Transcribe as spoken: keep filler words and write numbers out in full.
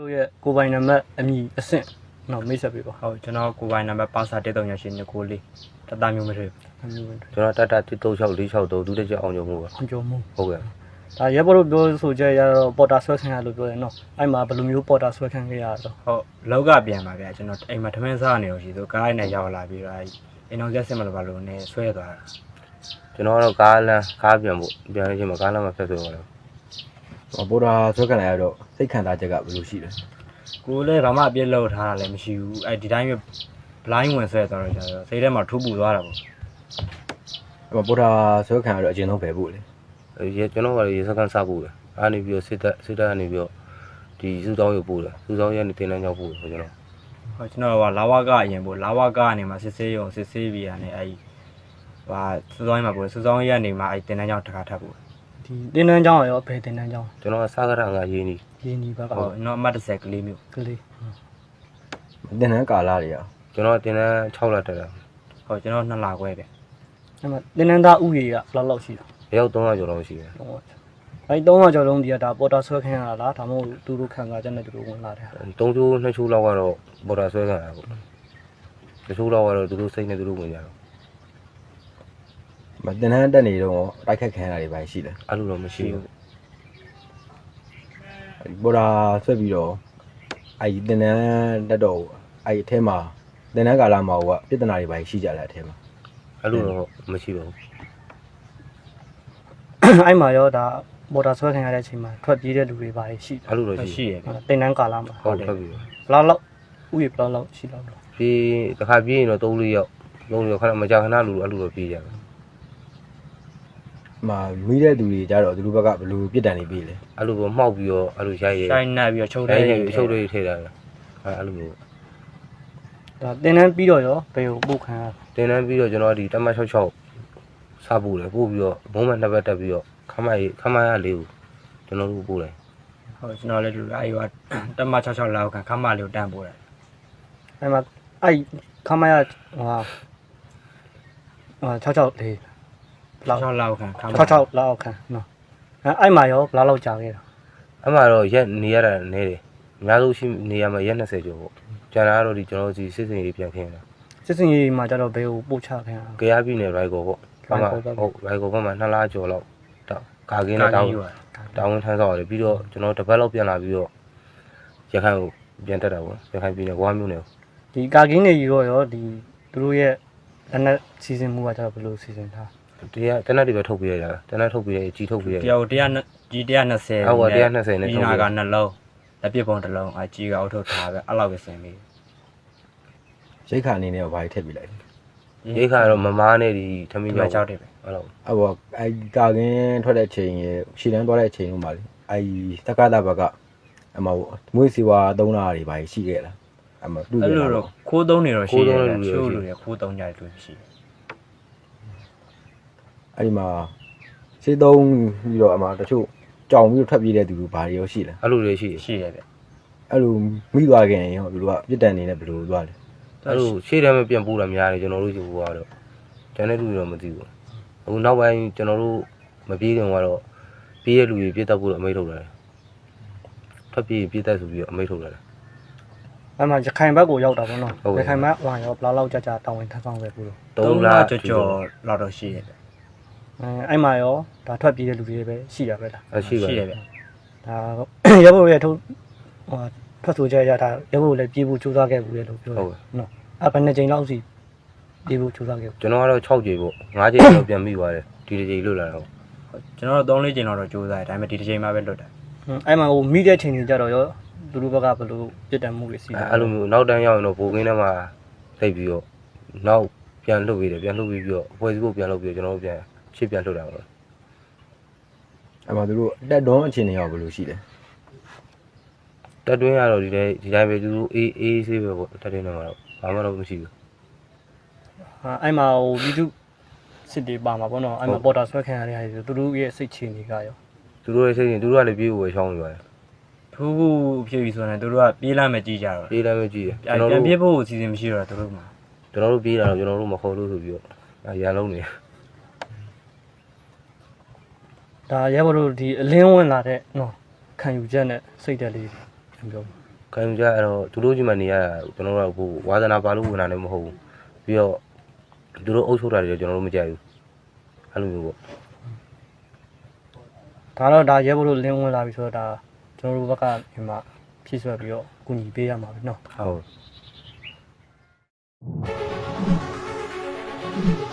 ရဲ့ကိုပိုင်နံပါတ်အမည်အဆင့်တော့မိတ်ဆက်ပေးပါဟုတ်ကျွန်တော်ကိုပိုင်နံပါတ်ပါစာတစ်သုံးရရှိနေကိုလေးတသားမျိုးမထွေးမျိုးပဲကျွန်တော်တတတစ်သုံး၆လေး၆သုံးဒုတိယအောင်ကြုံမှုပါအောင်ကြုံမှုဟုတ်ကဲ့ဒါရဲဘော်တို့ပြောဆိုကြရတော့ပေါ်တာဆွဲခံရလို့ပြောတယ်နော်အဲ့မှာဘယ်လိုမျိုးပေါ်တာဆွဲခံခဲ့ရတော့ဟုတ်လောက်ကပြန်ပါဗျာကျွန်တော်အိမ်မှာထမင်းစားနေလို့ရှိသူကားနဲ့ရောက်လာပြီးတော့အဲ့အိမ်တော်ဆက်စစ်မလို့ပါလို့နေဆွဲသွားတာကျွန်တော်ကတော့ကားလမ်းကားပြန်ဖို့ပြန်နေချင်းမှာကားလမ်းမှာဖက်ဆွဲသွားတယ်ဗော်ဒါဆွဲခံလိုက်ရတော့စိတ်ခံစားချက်ကဘယ်လိုရှိလဲကိုလည်းဘာမှအပြစ်လောက်ထားတာလည်းမရှိဘူးအဲ့ဒီတိုင်းပဲ blind ဝင်ဆွဲသွားတော့ကျတော့စိတ်ထဲမှာထူးပူသွားတာပေါ့အဲ့ဗော်ဒါဆွဲခံရတော့အကျဉ်းဆုံးပဲဖို့လေရေကျွန်တော်ကရေစကန်စားဖို့လေအားနေပြီးတော့စစ်တက်စစ်တက်ကနေပြီးတော့ဒီစုဆောင်းရုပ်ပို့တယ်စုဆောင်းရနေတင်တန်းရောက်ပို့ဆိုကျွန်တော်ဟုတ်ကျွန်တော်ကလာဝကအရင်ပို့လာဝကကနေမှစစ်ဆေးရုံစစ်ဆေးပြီးရနေအဲ့ဟာစုဆောင်းရမှာပို့စုဆောင်းရနေမှအဲ့တင်တန်းကြောင်းတစ်ခါထပ်ပို့ဒီတင်တန်းကြောင်းရောဘယ်တင်တန်းကြောင်းကျွန်တော်ကစားကြတာငါရင်းနီရင်းနီဘက်ကဟုတ်ကျွန်တော်အမှတ်တစ်ဆယ်ကလေးမျိုးကလေးတင်တန်းကာလာတွေရကျွန်တော်တင်တန်း၆လတက်တာဟုတ်ကျွန်တော်နှစ်လခွဲပဲအဲ့မှာတင်တန်းသားဥယေကဘယ်လောက်လောက်ရှိလဲရောက်သုံးရာကျော်လောက်ရှိတယ်အဲ့သုံးရာကျော်လုံးဒီကဒါပေါ်တာဆွဲခံရတာလားဒါမှမဟုတ်သူတို့ခံစားချက်နဲ့သူတို့ဝင်လာတယ်သုံးချိုးနှစ်ချိုးလောက်ကတော့ပေါ်တာဆွဲခံရတာပေါ့တချို့လောက်ကတော့သူတို့စိတ်နဲ့သူတို့ဝင်ကြတော့မတင်တန်းတက်နေတော့တိုက်ခတ်ခံရတာတွေပါရှိတယ်အဲ့လိုတော့မရှိဘူးဗော်ဒါဆွဲပြီးတော့အဲ့တင်တန်းတက်တော့အဲ့အထဲမှာတင်တန်းကာလာမှာကပြဿနာတွေပါရှိကြတယ်အထဲမှာအဲ့လိုတော့မရှိပါဘူးအဲ့မှာရောဒါပေါ်တာဆွဲခံရတဲ့အချိန်မှာထွက်ပြေးတဲ့လူတွေပါရှိတယ်အဲ့လိုတော့ရှိရတယ်တင်တန်းကာလာမှာဟုတ်ထွက်ပြီးဘလောက်လောက်ဥယေဘလောက်လောက်ရှိတော့ပြေးတစ်ခါပြေးရင်တော့သုံးလေးယောက်သုံးလေးယောက်ခဏမကြခဏလူအဲ့လိုတော့ပြေးကြတယ်မှာမိတဲ့သူတွေကြတော့သူတို့ဘက်ကဘယ်လိုပြစ်ဒဏ်တွေပေးလဲအဲ့လိုပေါ့မှောက်ပြီးတော့အဲ့လိုရိုက်ရဲရိုက်နှက်ပြီးတော့ချုပ်တဲ့ချုပ်တွေထည့်တာအဲ့အဲ့လိုမျိုးဒါတင်တန်းပြီးတော့ရောဘယ်ကိုပို့ခံရတင်တန်းပြီးတော့ကျွန်တော်ဒီတမတ်၆၆စားပို့တယ်ပို့ပြီးတော့ဘုံမနှစ်ဘက်တက်ပြီးတော့ခမရခမရလေးကိုကျွန်တော်တို့ပို့တယ်ဟုတ်ကျွန်တော်လည်းဒီအဲ့ဟိုတမတ်၆၆လောက်ခံခမလေးကိုတန်းပို့တယ်အဲ့မှာအဲ့ခမရဟိုဟာ၆၆လေးလောက်၆လောက်ခံ၆၆လောက်ခံနော်အဲ့အဲ့မှာရောဘယ်လောက်လောက်ကြာခဲ့တာအဲ့မှာတော့ရက်နေရတာနေတယ်အများဆုံးရှိနေရမှာရက်၂၀ကျော်ပေါ့ကျန်တာကတော့ဒီကျွန်တော်စီစစ်စင်ရေးပြန်ခင်းတာစစ်စင်ရေးမှာကျတော့ဘယ်ကိုပို့ချခင်တာကြရပြည်နယ်ရိုက်ကောပေါ့ဘာမှဟုတ်ရိုက်ကောဘက်မှာနှစ်လကျော်လောက်ကာကင်းနဲ့တောင်းတောင်းဝင်ထမ်းဆောင်ရတယ်ပြီးတော့ကျွန်တော်တပတ်လောက်ပြန်လာပြီးတော့ရခိုင်ကိုပြန်တက်တာပေါ့ရခိုင်ပြည်နယ်ဝါမျိုးနယ်ဒီကာကင်းတွေကြီးတော့ရောဒီသူတို့ရဲ့လက်နက်စီစဉ်မှုကကျတော့ဘယ်လိုစီစဉ်ထားဒီကတနက်တွေပဲထုတ်ပေးရတာတနက်ထုတ်ပေးရကြီးထုတ်ပေးရတယောက်တစ်ရာကြီးတစ်ရာ၂၀ဟုတ်ပါတစ်ရာ၂၀နဲ့ထုတ်ပေးကနှလုံးလက်ပစ်ပုံတစ်လုံးအကြီးကအုပ်ထုတ်ထားပဲအဲ့လောက်ပဲဆင်ပြီးရိတ်ခါအနေနဲ့ဘာတွေထည့်ပေးလိုက်ရိတ်ခါတော့မမားနဲ့ဒီထမင်းကြောက်တယ်ပဲအဲ့လိုအဲ့ဘောအဲ့ကာကင်းထွက်တဲ့ချိန်ရရှည်တန်းသွားတဲ့ချိန်လုံးပါလေအဲ့တက္ကသဘက်ကအမမွေးစီဝါသုံးတာတွေဘာရှိခဲ့လားအမတူတယ်အဲ့လိုတော့ခိုးသုံးနေတော့ရှိတယ်ချိုးလို့ရခိုးသုံးကြတယ်တွေ့ရှိတယ်အဲ့ဒီမှာရှေးသုံးပြီးတော့အမတချို့ကြောင်ပြီးတော့ထွက်ပြေးတဲ့သူတို့ဘာတွေရောရှိလဲအဲ့လိုတွေရှိရှိတယ်ဗျအဲ့လိုမိသွားခင်ရောသူတို့ကပြစ်ဒဏ်နေနဲ့ဘယ်လိုသွားလဲအဲ့လိုရှေ့တန်းမပြန်ပို့တာများတယ်ကျွန်တော်တို့ယူသွားတော့ကျန်တဲ့လူတွေတော့မသိဘူးအခုနောက်ပိုင်းကျွန်တော်တို့မပြေးခင်ကတော့ပြေးတဲ့လူတွေပြစ်တတ်ဖို့တော့အမိန့်ထုတ်တယ်ထွက်ပြေးပြစ်တတ်ဆိုပြီးတော့အမိန့်ထုတ်တယ်အဲ့မှာရခိုင်ဘက်ကိုရောက်တာပေါ့နော်ရခိုင်ဘက်ဟိုရောဘလောက်လောက်ကြာကြာတောင်းဝင်ထမ်းဆောင်ခဲ့ဘူးလို့သုံးလကြော်ကြော်လောက်တော့ရှိရတယ်အဲအဲ့မှာရောဒါထွက်ပြေးတဲ့လူတွေပဲရှိရပဲလားရှိပါရှိတယ်ဗျဒါရဲဘော်ရဲ့ထုတ်ဟိုထွက်ဆိုကြရတာရဲဘော်လည်းပြေးဖို့ကြိုးစားခဲ့ဘူးလေလို့ပြောတယ်နော်အဲ့ဘယ်နှစ်ကြိမ်လောက်စီပြေးဖို့ကြိုးစားခဲ့ကျွန်တော်ကတော့၆ကြိမ်ပေါ့၅ကြိမ်တော့ပြန်မိသွားတယ်ဒီတစ်ကြိမ်လွတ်လာတော့ကျွန်တော်တို့၃၄ကြိမ်လောက်တော့ကြိုးစားတယ်ဒါပေမဲ့ဒီတစ်ကြိမ်မှပဲလွတ်တယ်အဲ့မှာဟိုမိတဲ့ချိန်ကြီးကြတော့ရောသူတို့ဘက်ကဘယ်လိုပြစ်ဒဏ်မှုတွေစီအဲ့လိုမျိုးနောက်တန်းရောက်ရင်တော့ဘိုးကင်းထဲမှာတိတ်ပြီးတော့နောက်ပြန်လှုပ်ပြီးတယ်ပြန်လှုပ်ပြီးပြီးတော့အဖွဲ့စည်းဖို့ပြန်လှုပ်ပြီးကျွန်တော်တို့ပြန်ရှေ့ပြန်လှုပ်တာပေါ့အဲ့မှာသူတို့တက်တွန်းအခြေအနေရောဘယ်လိုရှိလဲတက်တွင်းရတော့ဒီတိုင်းဒီတိုင်းပဲသူတို့အေးအေးဆေးပဲပေါ့တက်တွင်းထဲမှာတော့ဘာမှတော့မရှိဘူးဟာအဲ့မှာဟိုပြည်သူစစ်တွေပါမှာပေါ့နော်အဲ့မှာပေါ်တာဆွဲခံရတဲ့ဟာတွေသူတို့ရဲ့စိတ်ချနေကြရောသူတို့ရဲ့စိတ်ချင်သူတို့ကလည်းပြေးဖို့ပဲရှောင်းနေပါတယ်ဖူးဖူးဖြစ်ပြီဆိုရင်တို့ကပြေးလာမယ်ကြည့်ကြတော့ပြေးလာမယ်ကြည့်တယ်ကျွန်တော်တို့ပြန်ပြေးဖို့အစီအစဉ်မရှိတော့တို့မှာကျွန်တော်တို့ပြေးတာတော့ကျွန်တော်တို့မခေါ်လို့ဆိုပြီးတော့ရန်လုံးနေဒါရဲဘော်တို့ဒီအလင်းဝင်လာတဲ့နော်ခံယူချက်နဲ့စိတ်တက်လေးပြောခံယူကြအဲ့တော့သူတို့ကြီးမှနေရတာကျွန်တော်တို့ကဟိုဝါသနာပါလို့ဝင်တာလည်းမဟုတ်ဘူးပြီးတော့သူတို့အုပ်ချုပ်တာတွေကျွန်တော်တို့မကြိုက်ဘူးအဲ့လိုမျိုးပေါ့ဒါတော့ဒါရဲဘော်တို့လင်းဝင်လာပြီဆိုတော့ဒါကျွန်တော်တို့ဘက်ကဒီမှာဖြည့်ဆွက်ပြီးတော့အကူအညီပေးရမှာပဲเนาะဟုတ်